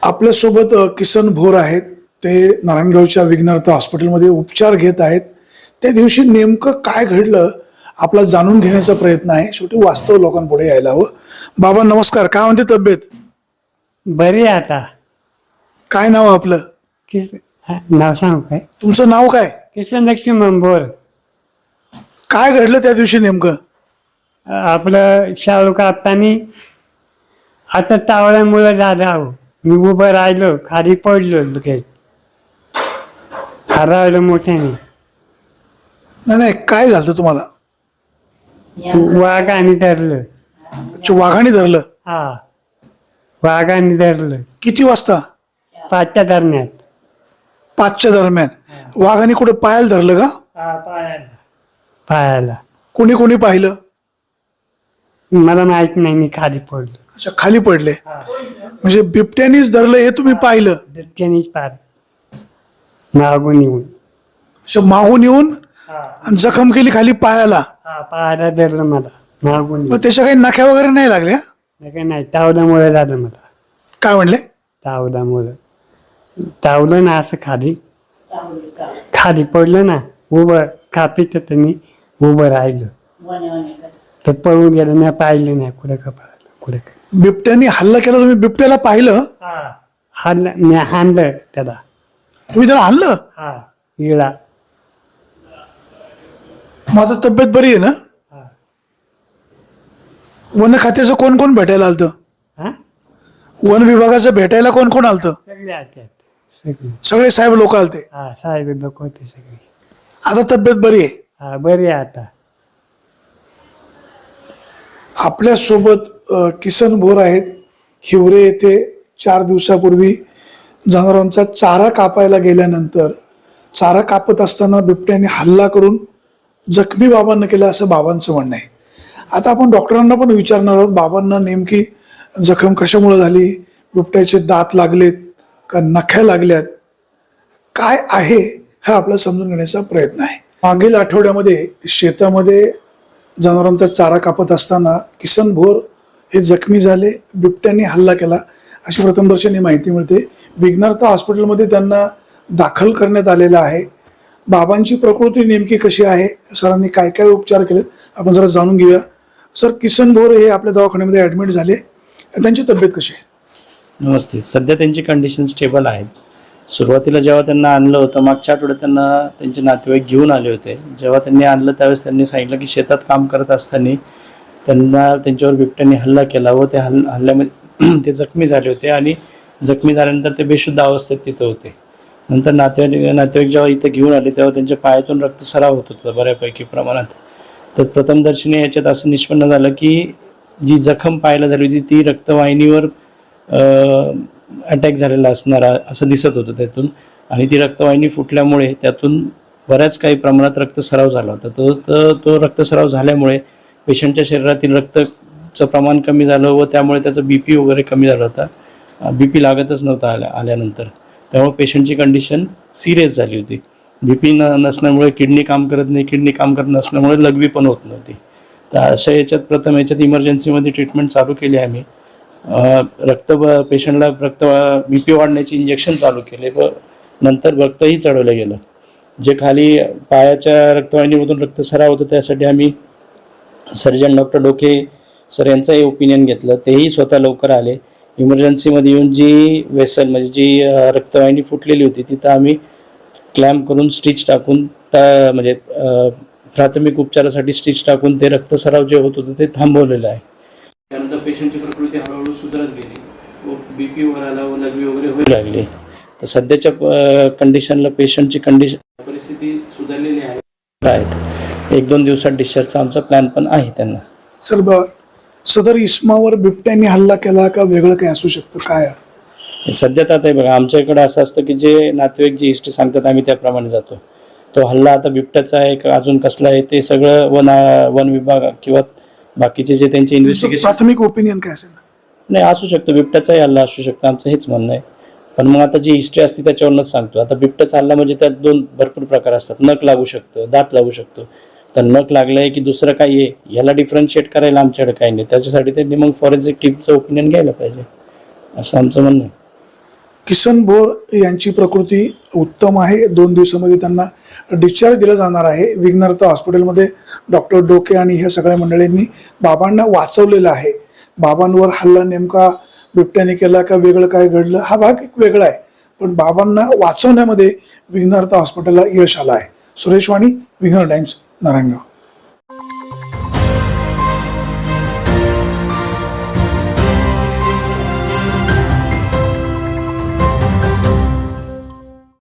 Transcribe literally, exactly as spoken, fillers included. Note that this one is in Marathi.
आपल्यासोबत अ, किसन भोर आहेत. ते नारायणगावच्या विघ्नहर्ता हॉस्पिटलमध्ये उपचार घेत आहेत. त्या दिवशी नेमकं काय घडलं आपला जाणून घेण्याचा प्रयत्न आहे. शेवटी वास्तव लोकांपुढे यायला हवं. बाबा नमस्कार, काय म्हणते तब्येत? बरी आहे आता. काय नाव आपलं? किस हा, नाव सांगू काय? तुमचं नाव काय? किसन लक्ष्मण बोर. काय घडलं त्या दिवशी नेमकं? आपलं शाहरुख आत्तानी आता तावळ्यामुळं झालं आहो. मी उभं राहिलो, खाली पडलो लगेच, हरवलं मोठ्याने. नाही नाही, काय झालं तुम्हाला? वाघाने धरलं. अच्छा, वाघाने धरलं? हा, वाघाने धरलं. किती वाजता? पाचच्या दरम्यान. पाचच्या दरम्यान. वाघाने कुठे पायाला धरलं का? हा, पायाला. पायाला. कोणी कोणी पाहिलं? मला माहित नाही, मी खाली पडलो. अच्छा, खाली पडले. म्हणजे बिबट्यानीच धरलं हे तुम्ही पाहिलं? बिबट्यानेच पार मागून येऊन. अच्छा, माहून येऊन हा, आणि जखम केली खाली पायाला. हा, पायाला धरलं मला मागून मग येऊन. त्याच्या काही नख्या वगैरे नाही लागल्या? नाही नाही, तावल्यामुळे झालं मला. काय म्हणले? तावल्यामुळं तावलं ना, असं खाली खाली पडलं ना, उभं कापीत मी उभं राहिलं तर पळून गेलं. नाही पाहिलं नाही कुठं कपाळाला कुठं. बिबट्यानी हल्ला केला, तुम्ही बिबट्याला पाहिलं? हाणलं, मी हाणलं त्याला. तुम्ही त्याला आणलं? हा, इळा. मग आता तब्येत बरी आहे ना? हा. वन खात्याचं कोण कोण भेटायला आलतं? हा, वन विभागाचं भेटायला कोण कोण आलतं? सगळे आत्यात सगळे. सगळे साहेब लोक आलते. हा, साहेब लोक होते सगळे. आता तब्येत बरी आहे? हा, बरी आहे आता. आपल्यासोबत अ, किसन भोर आहेत. हिवरे येथे चार दिवसापूर्वी जनावरांचा चारा कापायला गेल्यानंतर चारा कापत असताना बिबट्याने हल्ला करून जखमी बाबांना केला, असं बाबांचं म्हणणं आहे. आता आपण डॉक्टरांना पण विचारणार आहोत, बाबांना नेमकी जखम कशामुळे झाली, बिबट्याचे दात लागलेत का नख्या लागल्यात, काय आहे हा आपला समजून घेण्याचा प्रयत्न आहे. मागील आठवड्यामध्ये शेतामध्ये जनावरांचा चारा कापत असताना किसन भोर हे जखमी झाले, बिबट्याने हल्ला केला अशी प्रथमदर्शनी माहिती मिळते. विघ्नहर्ता हॉस्पिटलमध्ये त्यांना दाखल करण्यात आलेलं आहे. बाबांची प्रकृती नेमकी कशी आहे, सरांनी काय काय उपचार केलेत आपण जरा जाणून घेऊया. सर, किसन भोर हे आपल्या दवाखान्यामध्ये ॲडमिट झाले, त्यांची तब्येत कशी आहे? नमस्ते. सध्या त्यांची कंडिशन स्टेबल आहेत. सुरुवातीला जेव्हा त्यांना आणलं होतं, मागच्या आठवड्यात त्यांना त्यांचे नातेवाईक घेऊन आले होते. जेव्हा त्यांनी आणलं त्यावेळेस त्यांनी सांगितलं की शेतात काम करत असताना त्यांना त्यांच्यावर बिबट्याने हल्ला केला व त्या हल् हल्ल्यामध्ये ते जखमी झाले होते आणि जखमी झाल्यानंतर ते बेशुद्ध अवस्थेत तिथं होते. नंतर नातेवाईक नातेवाईक जेव्हा इथं घेऊन आले तेव्हा त्यांच्या पायातून रक्तस्राव होत होता बऱ्यापैकी प्रमाणात. तर प्रथमदर्शनी याच्यात असं निष्पन्न झालं की जी जखम पायाला झाली होती ती रक्तवाहिनीवर अटॅक झालेला असणारा असं दिसत होतं त्यातून. आणि ती रक्तवाहिनी फुटल्यामुळे त्यातून बऱ्याच काही प्रमाणात रक्तस्राव झाला होता. तो तर तो रक्तस्राव झाल्यामुळे पेशंटच्या शरीरातील रक्तचं प्रमाण कमी झालं व त्यामुळे त्याचं बी पी वगैरे कमी झाला होता. बी पी लागतच नव्हता आल्या आल्यानंतर. त्यामुळे पेशंटची कंडिशन सिरियस झाली होती. बी पी न नसल्यामुळे किडनी काम करत नाही, किडनी काम करत नसल्यामुळे लघवी पण होत नव्हती. तर अशा याच्यात प्रथम याच्यात इमर्जन्सीमध्ये ट्रीटमेंट चालू केली आम्ही. रक्त पेशंटला रक्त बी पी वाढण्याचे इंजेक्शन चालू केले व नंतर रक्तही चढवलं गेलं. जे खाली पायाच्या रक्तवाहिनीमधून रक्तस्राव होतं त्यासाठी आम्ही सर्जन डॉक्टर डोके सर यांचंही ओपिनियन घेतलं. तेही स्वतः लवकर आले. इमर्जन्सीमध्ये येऊन जी वेसल म्हणजे जी रक्तवाहिनी फुटलेली होती तिथं आम्ही क्लॅम्प करून स्टिच टाकून त्या म्हणजे प्राथमिक उपचारासाठी स्टिच टाकून ते रक्तस्राव जे होत होतं ते थांबवलेलं आहे. त्यानंतर पेशंटची प्रकृती हळूहळू सुधारत गेली व बी पी वर आला व लघवी वगैरे होऊ लागली. तर सध्याच्या कंडिशनला पेशंटची कंडिशन परिस्थिती सुधारलेली आहे. एक दोन दिवसात डिस्चार्जचा आमचा प्लॅन पण आहे त्यांना. सर, ब सदर इस्मावर बिबट्याने हल्ला केला का वेगळं काही असू शकतं, काय? सध्या तर आता बघा, आमच्या इकडे असं असतं की जे नातेवाईक जी हिस्ट्री सांगतात आम्ही त्याप्रमाणे जातो. तो हल्ला आता बिबट्याचा आहे का अजून कसला आहे ते सगळं वन वन विभाग किंवा बाकीचे जे त्यांचे इन्व्हेस्टिगेशन. प्राथमिक ओपिनियन काय असेल? नाही, असू शकतो बिबट्याचाही हल्ला असू शकतो, आमचं हेच म्हणणं आहे. पण मग आता जी हिस्ट्री असते त्याच्यावरूनच सांगतो. आता बिबट्याचा हल्ला म्हणजे त्यात दोन भरपूर प्रकार असतात. नख लागू शकतं, दात लागू शकतो. तर नख लागलंय की दुसरं काही आहे याला डिफरन्शिएट करायला आमच्याकडे काही नाही. त्याच्यासाठी त्यांनी मग फॉरेन्सिक टीमचं ओपिनियन घ्यायला पाहिजे असं आमचं म्हणणं आहे. किसन भोर यांची प्रकृती उत्तम आहे. दोन दिवसामध्ये त्यांना डिस्चार्ज दिला जाणार आहे. विघ्नहर्ता हॉस्पिटलमध्ये डॉक्टर डोके आणि ह्या सगळ्या मंडळींनी बाबांना वाचवलेलं आहे. बाबांवर हल्ला नेमका बिबट्याने केला का वेगळं काय घडलं हा भाग एक वेगळा आहे, पण बाबांना वाचवण्यामध्ये विघ्नहर्ता हॉस्पिटलला यश आलं आहे. सुरेश वाणी, विघ्नहर टाइम्स, नारायणगाव.